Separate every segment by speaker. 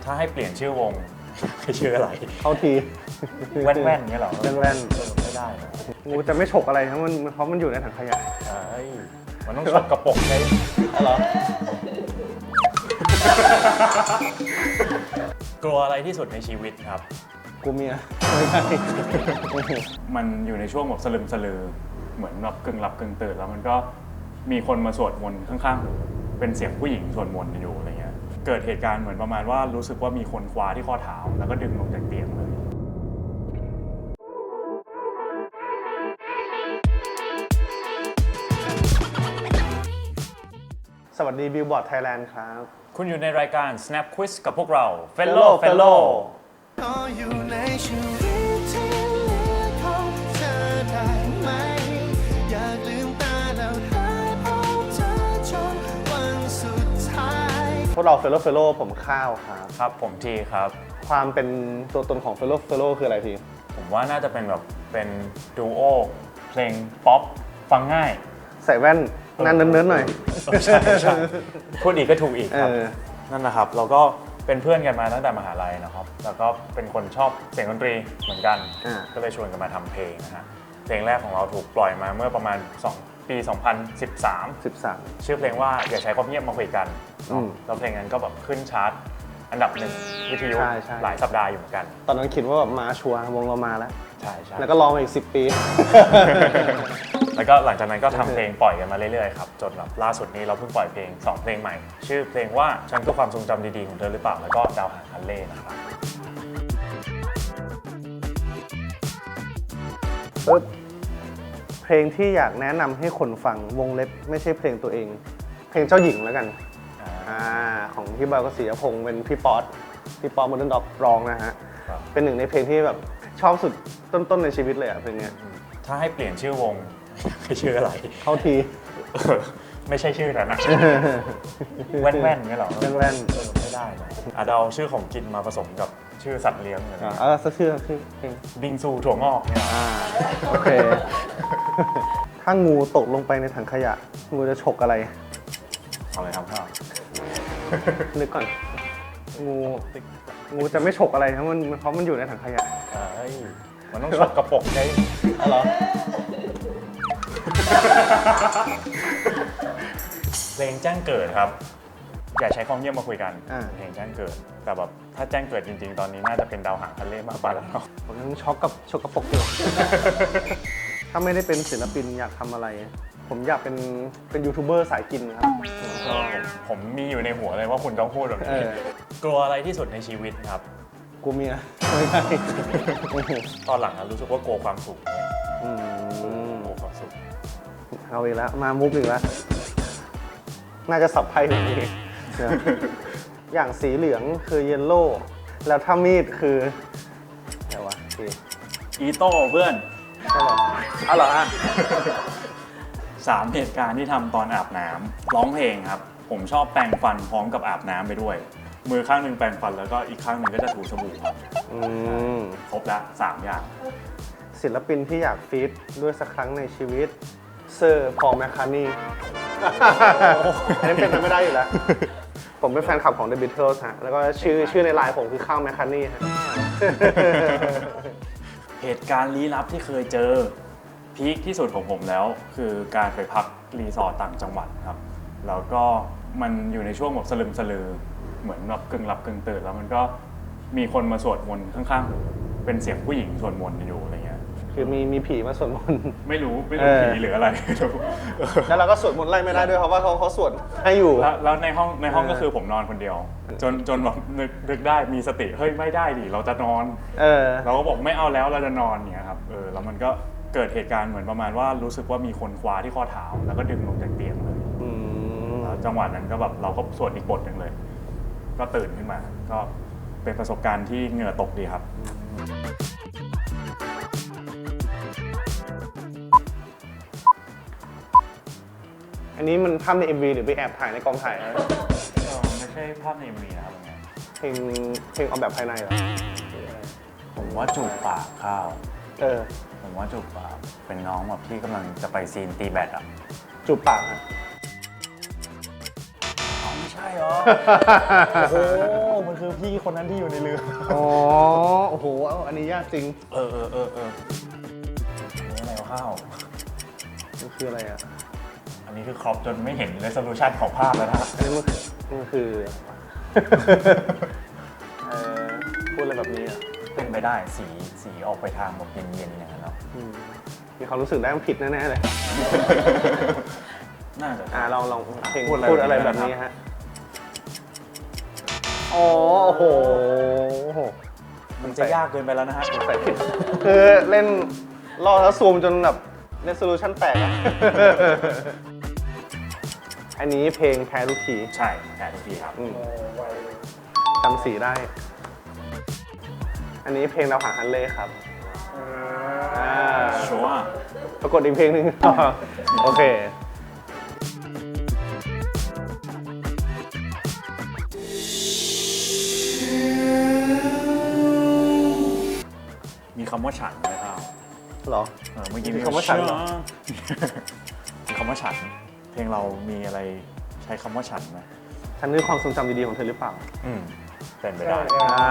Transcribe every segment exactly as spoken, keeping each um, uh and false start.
Speaker 1: ถ้าให้เปลี่ยนชื่อวงให้ชื่ออะไร
Speaker 2: เข้าที
Speaker 1: แว่นแว่นเงี้ยเหรอ
Speaker 2: แว่นแว่น
Speaker 1: เออไม่ได้นะ
Speaker 2: งูจะไม่ฉกอะไรทั้งมันเพราะมันอยู่ในถังขยะ
Speaker 1: เอ้ยมันต้องฉกกระปกใช่
Speaker 2: เหรอ
Speaker 1: กลัวอะไรที่สุดในชีวิตครับ
Speaker 2: กูเมียไม่ใช่
Speaker 1: มันอยู่ในช่วงแบบสลึมสลือเหมือนแบบกึ่งหลับกึ่งตื่นแล้วมันก็มีคนมาสวดมนต์ข้างๆหูเป็นเสียงผู้หญิงสวดมนต์อยู่อะไรเงี้ยเกิดเหตุการณ์เหมือนประมาณว่ารู้สึกว่ามีคนคว้าที่ข้อเท้าแล้วก็ดึงลงจากเตียงเลย
Speaker 2: สวัสดีบิลบอร์ดไทยแลนด์ครับ
Speaker 1: คุณอยู่ในรายการ Snap Quiz กับพวกเรา Fellow Fellow
Speaker 3: ขออยู่ในชีวิตที่เหลือของเธอได้ไหมอยากลืมตาแล้วหายพบเธอจนวันสุดท้าย
Speaker 2: พวกเราเฟลโลเฟลโลผมข้าวครับ
Speaker 1: ครับผมทีครับ
Speaker 2: ความเป็นตัวตนของเฟลโลเฟลโลคืออะไรที
Speaker 1: ผมว่าน่าจะเป็นแบบเป็นดูโอเพลงป๊อปฟังง่าย
Speaker 2: ใส่แว่นนั่นเนิร์ดๆหน่อย
Speaker 1: เออใช่ใช่พูดอีกก็ถูกอีกครับ
Speaker 2: เออ
Speaker 1: นั่นแหละครับ เราก็เป็นเพื่อนกันมาตั้งแต่มหาลัยนะครับ แล้วก็เป็นคนชอบเสียงดนตรีเหมือนกัน
Speaker 2: อ่า
Speaker 1: ก็เลยชวนกันมาทำเพลงนะฮะ เพลงแรกของเราถูกปล่อยมาเมื่อประมาณสองปี สองพันสิบสาม
Speaker 2: สิบสาม
Speaker 1: ชื่อเพลงว่าอย่าใช้ความเงียบมาคุยกัน
Speaker 2: อืม
Speaker 1: แล้วเพลงนั้นก็แบบขึ้นชาร์ตอันดับหนึ่งวิทยุ
Speaker 2: ใช่ใช่
Speaker 1: หลายสัปดาห์อยู่เหมือนกัน
Speaker 2: ตอนนั้นคิดว่าแบบมาชัวร์วงเรามาแล้ว
Speaker 1: ใช่ใช่
Speaker 2: แล้วก็รอมาอีกสิบปี
Speaker 1: แล้วก็หลังจากนั้นก็ทำเพลงปล่อยกันมาเรื่อยๆครับจนแบบล่าสุดนี้เราเพิ่งปล่อยเพลงสองเพลงใหม่ ชื่อเพลงว่าฉันคือความทรงจำดีๆของเธอหรือเปล่าแล้วก็ดาวหางคันเล่นะครับ
Speaker 2: เออเพลงที่อยากแนะนำให้คนฟังวงเล็บไม่ใช่เพลงตัวเอง เพลงเจ้าหญิงแล้วกัน
Speaker 1: อ่า
Speaker 2: อ่าของพี่บอยกศิยพงศ์เป็นพี่ป๊อตพี่ป๊อตโมเดิร์นด็อกร้องนะฮะ
Speaker 1: ครับ
Speaker 2: เป็นหนึ่งในเพลงที่แบบชอบสุดต้นๆในชีวิตเลยอ่ะเพลงเนี้ย
Speaker 1: ถ้าให้เปลี่ยนชื่อวง ให้ชื่ออะไร
Speaker 2: เข้าที
Speaker 1: เออไม่ใช่ชื่อนั้นนะ แว่นแว่นๆเงี้ยเหรอ
Speaker 2: แว่นแว่น
Speaker 1: เออไม่ได้นะอาจจะเอาชื่อของกินมาผสมกับชื่อสัตว์เลี้ยงอะไร
Speaker 2: อ่า
Speaker 1: เงี้ย
Speaker 2: เออสักชื่อสักชื่อเพลง
Speaker 1: บิงซูถั่วงอกเนี่ย
Speaker 2: อ่าโอเค ถ้างูตกลงไปในถังขยะ งูจะฉกอะไร
Speaker 1: เอาเลยครับพ่อ
Speaker 2: นึกก่อน งูงูจะไม่ฉกอะไรทั้งมันเพราะมันอยู่ในถังขยะ
Speaker 1: เอ้ยมันต้องฉกกระปกใช่
Speaker 2: อ๋อเหรอ
Speaker 1: เพลงแจ้งเกิดครับ อย่าใช้ความเงียบมาคุยกัน
Speaker 2: อ่า
Speaker 1: เพลงแจ้งเกิด แต่แบบถ้าแจ้งเกิดจริงๆ ตอนนี้น่าจะเป็นดาวหางทะเลมากกว่าแล้วเนาะ
Speaker 2: ผมยังช็อกกับฉกกระปรกอยู่ ถ้าไม่ได้เป็นศิลปินอยากทำอะไร ผมอยากเป็นเป็นยูทูบเบอร์สายกินครับ
Speaker 1: ผมมีอยู่ในหัวเลยว่าคุณต้องพูดแบบ
Speaker 2: เอ
Speaker 1: นี้
Speaker 2: อ
Speaker 1: กลัวอะไรที่สุดในชีวิตครับ
Speaker 2: กูเมียไม่ใช่
Speaker 1: ตอนหลังอะรู้สึกว่ากลัวความสุขเนี่ย
Speaker 2: อืม
Speaker 1: กลัวความสุข
Speaker 2: เอาอีกแล้ว มามุกอีกแล้ว น่าจะสับไพ่แบบนี้นะอย่างสีเหลืองคือเยลโล่ แล้วถ้ามีดคืออะไรวะพี่
Speaker 1: อีโต้เพื่อน
Speaker 2: ใช่หรออ๋อเหรอฮะ
Speaker 1: สามเหตุการณ์ที่ทำตอนอาบน้ำร้องเพลงครับ ผมชอบแปรงฟันพร้อมกับอาบน้ำไปด้วย มือข้างหนึ่งแปรงฟันแล้วก็อีกข้างหนึ่งก็จะถูสบู่ครับ
Speaker 2: อืม
Speaker 1: ครบละสามอย่าง
Speaker 2: ศิลปินที่อยากฟีดด้วยสักครั้งในชีวิตเซอร์พอลแมคคาร์ทนีย์ อันนี้เป็นไปไม่ได้อยู่แล้ว ผมเป็นแฟนคลับของ The Beatles ฮะ แล้วก็ชื่อชื่อในไลน์ผมคือข้าวแมคคาร์ทนีย์ฮะ
Speaker 1: เหตุการณ์ลี้ลับที่เคยเจอพีคที่สุดของผมแล้ว คือการไปพักรีสอร์ทต่างจังหวัดครับ แล้วก็มันอยู่ในช่วงแบบสลึมสลือเหมือนแบบกึ่งหลับกึ่งตื่นแล้วมันก็มีคนมาสวดมนต์ข้างๆหูเป็นเสียงผู้หญิงสวดมนต์อยู่อะไรเงี้ย
Speaker 2: คือมีมีผีมาสวดมนต์
Speaker 1: ไม่รู้ไม่รู้
Speaker 2: เออ
Speaker 1: ผีหรืออะไรไม่รู้
Speaker 2: แล้วเราก็สวดมนต์ไล่ไม่ได้ด้วยเพราะว่าเขาเขาสวดให้อยู่
Speaker 1: แล้วแล้วในห้องในห้อง
Speaker 2: เออ
Speaker 1: ก็คือผมนอนคนเดียว จนจนแบบนึกนึกได้มีสติเฮ้ยไม่ได้ดิเราจะนอน
Speaker 2: เออ
Speaker 1: เราก็บอกไม่เอาแล้วเราจะนอนเนี่ยครับเออแล้วมันก็เกิดเหตุการณ์เหมือนประมาณว่ารู้สึกว่ามีคนคว้าที่ข้อเท้าแล้วก็ดึงลงจากเตียงเลย
Speaker 2: อืม
Speaker 1: แล้วจังหวะนั้นก็แบบเราก็สวดอีกบทหนึ่งเลย ก็ตื่นขึ้นมา ก็เป็นประสบการณ์ที่เหงื่อตกดีครับ
Speaker 2: อันนี้มันภาพใน เอ็ม วี หรือไปแอบถ่ายในกองถ่ายนะ
Speaker 1: ไม่ใช่ภาพในมีนะครับไง
Speaker 2: เพลงเพลงออกแบบภายในเหรอ
Speaker 1: ผมว่าจูบปากข้าว
Speaker 2: เออ
Speaker 1: ผมว่าจูบปากเป็นน้องแบบที่กำลังจะไปซีนตีแบดอ่ะ
Speaker 2: จูบปากฮะ
Speaker 1: อ๋อไม่ใช่เหรอ โอ้โห มันคือพี่คนนั้นที่อยู่ในเรือ
Speaker 2: อ๋อ โอ้โห อันนี้ยากจริง
Speaker 1: เออเออเออเอออันนี้อะไรวะข้าว
Speaker 2: มันคืออะไรอ่ะ
Speaker 1: อันนี้คือครอปจนไม่เห็น resolution ของภาพแล้วนะครับ
Speaker 2: อันนี้มันมันคือ เอ่อพูดอะไรแบบนี้อ่ะ
Speaker 1: เป็นไปได้สีสีออกไปทางแบบเย็นๆอย่างนั้นเนาะ
Speaker 2: อืมมีความรู้สึกได้มันผิดแน่ๆเลย
Speaker 1: น่าจะ
Speaker 2: อ่าลองลองเพลง
Speaker 1: พูดอะไร
Speaker 2: พูดอะไร
Speaker 1: แบ
Speaker 2: แบบ บ
Speaker 1: นี้
Speaker 2: นี้
Speaker 1: นะครับ
Speaker 2: ฮะ อ๋อ โอ้โหโอ้โห
Speaker 1: มันจะยากเกินไปแล้วนะฮะ
Speaker 2: ใส่ผิดคือเล่นล่อแล้วซูมจนแบบเรสโซลูชันแตกอะ อันนี้เพลงแพ้ทุกที
Speaker 1: ใช่แต่ทุกทีครับ
Speaker 2: อืมจำสีได้ อันนี้เพลงดาวหางฮันเล่ครับอ่า
Speaker 1: ชัวร์
Speaker 2: ปรากฏอีกเพลงหนึ่ง โอเค
Speaker 1: มีคำว่าฉันไหมครับ
Speaker 2: เหรอ
Speaker 1: เออเมื่อกี้
Speaker 2: มีคำว่าฉันเหรอ
Speaker 1: มีคำว่าฉัน เพลงเรามีอะไรใช้คำว่าฉันไหม
Speaker 2: ฉันคือความทรงจำดีๆของเธอหรือเปล่า
Speaker 1: อืมเป็นไปได้
Speaker 2: อ่า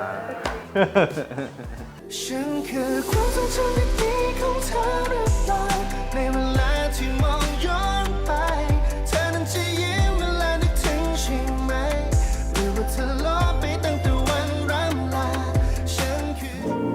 Speaker 3: ฉันคือความทรงจำดีๆของเธอหรือเปล่าในเวลาที่มองย้อนไปเธอนั้นจะยิ้มเวลานึกถึงใช่ไหมหรือว่าเธอลบไปตั้งแต่วันร่ำลาฉันคือ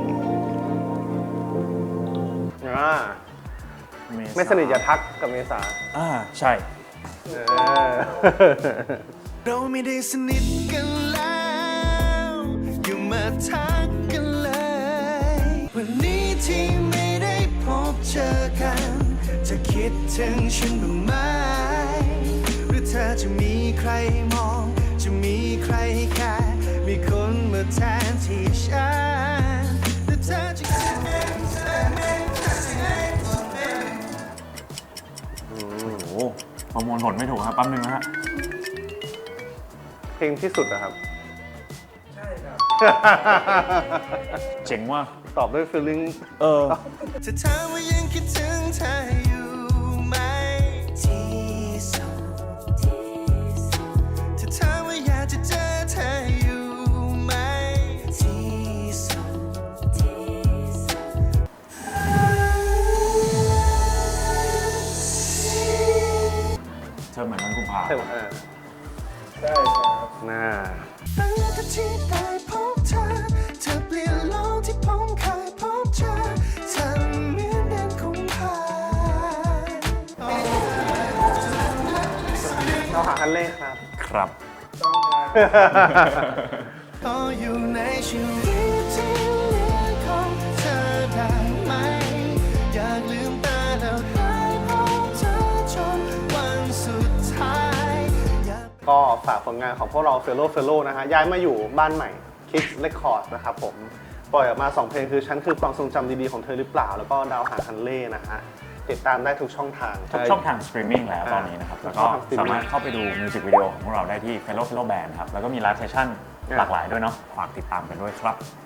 Speaker 2: อ่า
Speaker 1: เษา
Speaker 2: ไม่สนิทอย่าทักกับเมษา
Speaker 1: อ่าใช่
Speaker 2: เออ
Speaker 3: เราไม่ได้สนิทกันแล้วอย่ามาทักกันเลยวันนี้ที่ไม่ได้พบเจอกันจะคิดถึงฉันบ้างไหมหรือเธอจะมีใครมอง จะมีใครแค่มีคนมาแทนที่ฉันหรือเธอจะ
Speaker 1: โอ้โหประมวลผลไม่ถูกครับแป๊บนึงนะฮะ
Speaker 2: เพลงที่สุดอะครับ
Speaker 1: เจ๋งว่ะ
Speaker 2: ตอบด้วย feeling
Speaker 1: เออ
Speaker 3: จะถามว่ายังคิดถึงเธออยู่ไหมที่สุดจะถามว่าอยากจะเจอเธออยู่ไหมที่สุด
Speaker 1: เธอเหมือนมันกุมภา
Speaker 2: ใช่ไหมเออใช่ครับน่า
Speaker 3: ตั้งแต่ที่ได้พบเธอเธอเปลี่ยนโลกที่ผมเคยพบเจอเธอเหมือนเดินคงผ่าน
Speaker 2: เราหาคันเล่ครับ
Speaker 1: ครับ
Speaker 3: ก็อยู่ในชีวิตที่เหลือของเธอได้ไหม อยากลืมตาแล้วได้พบเธอจนวันสุดท้ายอยาก
Speaker 2: ก็ฝากผลงานของพวกเรา Fellow Fellow นะฮะย้ายมาอยู่บ้านใหม่ Kids Record นะครับผม ปล่อยออกมา สอง เพลงคือฉันคือความทรงจำดีๆของเธอหรือเปล่า แล้วก็ดาวหางฮันเล่นะฮะ ติดตามได้ทุกช่องทาง
Speaker 1: ทุกช่องทางสตรีมมิ่งแล้วตอนนี้นะครับ แล้วก็สามารถเข้าไปดูมิวสิกวิดีโอของพวกเราได้ที่ Fellow Fellow Band ครับ แล้วก็มีไลฟ์เซสชั่นหลากหลายด้วยเนาะ ฝากติดตามกันด้วยครับ